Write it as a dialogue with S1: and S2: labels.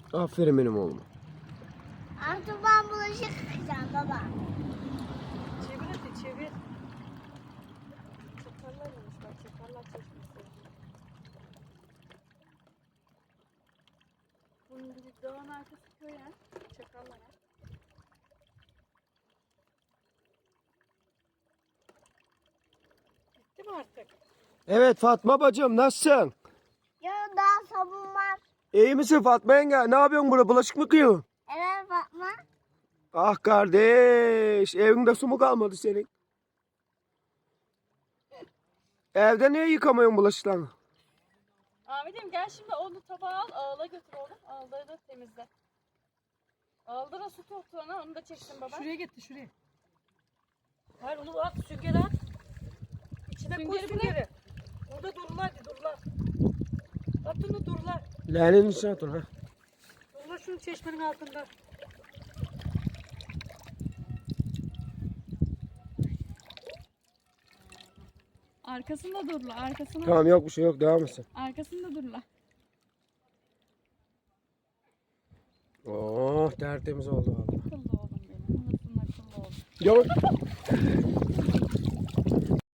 S1: Aferin benim oğluma.
S2: Artık ben bulaşık yıkayacağım baba.
S3: Çevir hadi çevir. Çakallarmış bak, çakallar çeşmesi. Bunun gibi dağın arkası köy ya. Çakallar ya. Bitti mi artık?
S1: Evet Fatma bacım nasılsın?
S2: Yarın daha sabun var.
S1: İyi misin Fatma yenge? Ne yapıyorsun burada? Bulaşık mı yıkıyorsun?
S2: Evet Fatma.
S1: Ah kardeş, evinde su mu kalmadı senin? Evde niye yıkamıyorsun bulaşıklarını?
S3: Ahmet'im gel şimdi onu tabağa al, ağla götür oğlum. Ağları da temizle. Ağılda da su toptu onu da çeksin baba.
S4: Şuraya getir şuraya. Hayır onu at süngeri at. İçine koy
S3: Süngeri
S4: süngeri. Orada dururlar ki dururlar. At onu dururlar.
S1: Leğenin içine at onu ha.
S4: Dururlar şunun çeşmenin altında.
S3: Arkasında durla, arkasına.
S1: Tamam yok bir şey yok devam etsin.
S3: Arkasında durla.
S1: Oh tertemiz oldu valla.
S3: Akıllı oğlum benim. Anasının akıllı oğlum.
S1: Gel.